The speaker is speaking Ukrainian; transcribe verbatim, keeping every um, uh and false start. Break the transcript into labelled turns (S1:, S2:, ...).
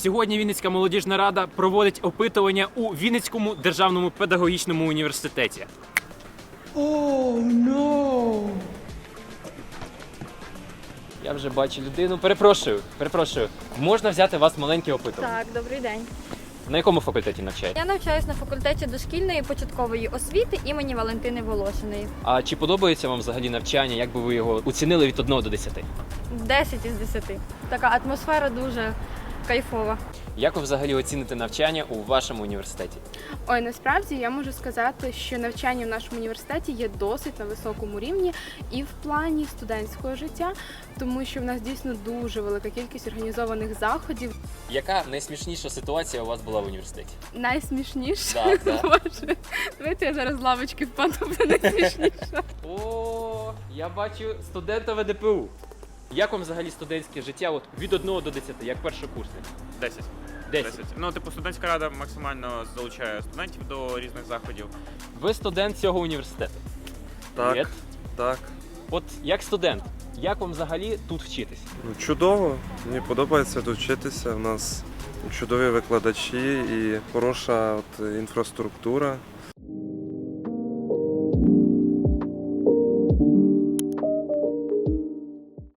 S1: Сьогодні Вінницька молодіжна рада проводить опитування у Вінницькому державному педагогічному університеті.
S2: Oh, no.
S1: Я вже бачу людину. Перепрошую, перепрошую. Можна взяти у вас маленьке опитування?
S3: Так, добрий день.
S1: На якому факультеті навчаєте?
S3: Я навчаюсь на факультеті дошкільної і початкової освіти імені Валентини Волошиної.
S1: А чи подобається вам взагалі навчання? Як би ви його оцінили від одного до десяти?
S3: десять із десяти. Така атмосфера дуже кайфова.
S1: Як ви взагалі оціните навчання у вашому університеті?
S4: Ой, насправді я можу сказати, що навчання в нашому університеті є досить на високому рівні і в плані студентського життя, тому що в нас дійсно дуже велика кількість організованих заходів.
S1: Яка найсмішніша ситуація у вас була в університеті?
S4: Найсмішніше,
S1: Так, так.
S4: Боже, давайте я зараз з лавочки впаду, буде найсмішніше.
S1: О, я бачу студента ВДПУ. Як вам взагалі студентське життя от від одного до десяти, як першокурсник?
S5: десять.
S1: десять.
S5: Ну, типу, студентська рада максимально залучає студентів до різних заходів.
S1: Ви студент цього університету?
S6: Так,
S1: Привіт.
S6: так.
S1: От як студент, як вам взагалі тут вчитись?
S6: Ну, чудово. Мені подобається тут вчитися. У нас чудові викладачі і хороша от, інфраструктура.